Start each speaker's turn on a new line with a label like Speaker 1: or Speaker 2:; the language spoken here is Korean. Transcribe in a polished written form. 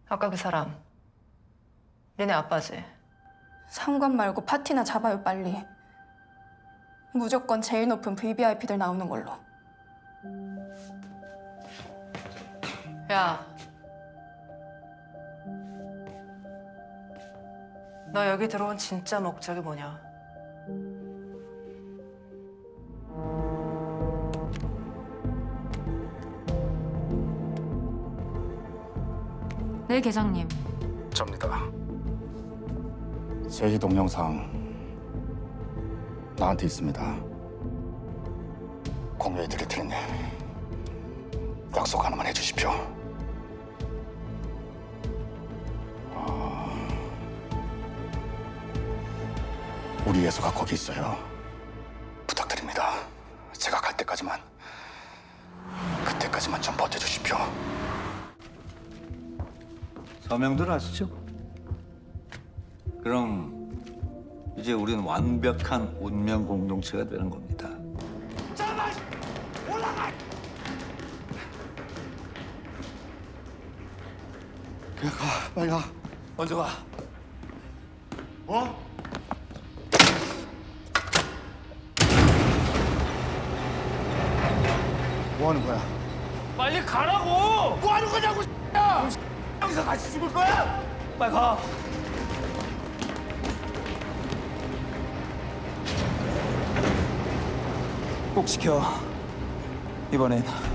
Speaker 1: 아까 그 사람 니네 아빠지?
Speaker 2: 상관 말고 파티나 잡아요, 빨리. 무조건 제일 높은 VVIP들 나오는 걸로.
Speaker 1: 야, 너 여기 들어온 진짜 목적이 뭐냐?
Speaker 3: 네, 계장님.
Speaker 4: 접니다. 제희 동영상 나한테 있습니다. 공유해드릴 테니 약속 하나만 해주십시오. 우리 예수가 거기 있어요. 부탁드립니다. 제가 갈 때까지만, 그때까지만 좀 버텨주십시오.
Speaker 5: 서명들 아시죠? 그럼 이제 우리는 완벽한 운명 공동체가 되는 겁니다.
Speaker 4: 그냥 가, 빨리 가.
Speaker 5: 먼저 가.
Speaker 4: 어? 뭐 하는 거야?
Speaker 6: 빨리 가라고! 뭐 하는 거냐고, 야! 여기서 같이 죽을 거야? 빨리 가. 꼭 지켜. 이번엔